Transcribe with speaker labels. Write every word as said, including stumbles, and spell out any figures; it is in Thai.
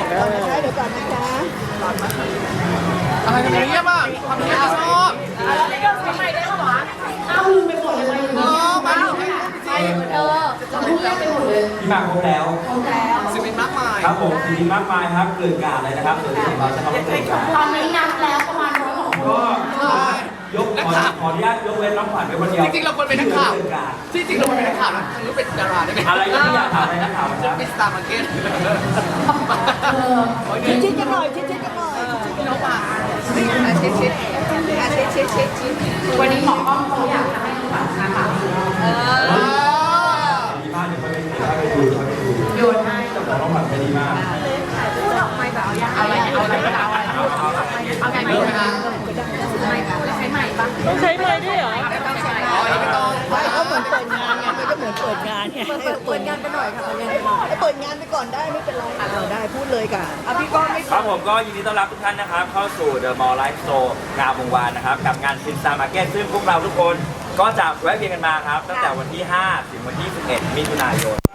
Speaker 1: ก่อนนะคะเดี๋ยวก่อนนะคะ
Speaker 2: อะไรกันเนี่ยบ้างทำเนี้ยชอบ
Speaker 3: แล้วไม่ต้องใช้ไม้ได้ปะวะเอาลืมไปหมดเลย
Speaker 2: เออมาดูให้
Speaker 3: ไปเออจะพูดเล่นไปหมดเลย
Speaker 4: ที่มาครบแล้ว
Speaker 3: แล้ว
Speaker 2: สิบเป็นมากมาย
Speaker 4: ครับผมสีมากมายครับเกลื่อนกลาดเลยนะครับส่วนของเราจะทำให้เกลื่อนกลาด
Speaker 3: ตอนนี้นับแล้วประมาณร้อยกว่าคน
Speaker 4: ก็ยกขอขออนุญาตยกเว้นน้องขวัญไว้คนเดียว
Speaker 2: จริงๆเราควรเป็นนักข่าว
Speaker 4: เกลื่อนกลาด
Speaker 2: ที่จริงเราควรเป็นนักข่าวนะหรือเป็นดาราได้ไหม
Speaker 4: อะไรก็ไม่อยากถามอะไรนักข่าวครับ
Speaker 2: เป็นสตาร์มาร์เก็ต
Speaker 1: ชิดชิดกันหน่อยชิดชิดกันหน่อย
Speaker 2: น้องมา
Speaker 1: ชิดชิดชิดชิดชิดชิด
Speaker 3: วันนี้หมอกล้องเขาอยากจะให้น้องฝันมาปากเออ
Speaker 4: ดีมากเดี๋ยวเขาไปดูเขาไปดูเขาไปดู
Speaker 3: โยนให้
Speaker 4: เจ้าของน้องขวัญใจดีมาก
Speaker 3: พูดออกไปแบบเอาอย่างเอาอะไรเอาอะไรเอาอะไรเอาเอาไงไม่ได้ไม่ใช้ใหม่ปะ
Speaker 5: ต้องใช้ไม้ด้วยเหรอ
Speaker 3: ต้องใช้
Speaker 2: อ๋อไม่ต้อง
Speaker 1: ไม่ก็เหมือนเปิดงานไงมันก็เหมือนเปิดงานไง
Speaker 3: เปิดเปิดงานไปหน่อยค่ะเปิดงานไปหน่อย
Speaker 1: เปิดงานไปก่อนได้ไม่เป็นไรเราได้พูดเลยค่ะอ่ะพี่ก้อนไม่
Speaker 4: ครับผมก็ยินดีต้อนรับทุกท่านนะครับเข้าสู่ The Mall Life Show งามวงวานนะครับกับงานซินซามาร์เก็ตซึ่งพวกเราทุกคนก็จะแวะเวียนกันมาครับตั้งแต่วันที่ ห้า ถึงวันที่ สิบเอ็ด มิถุนายน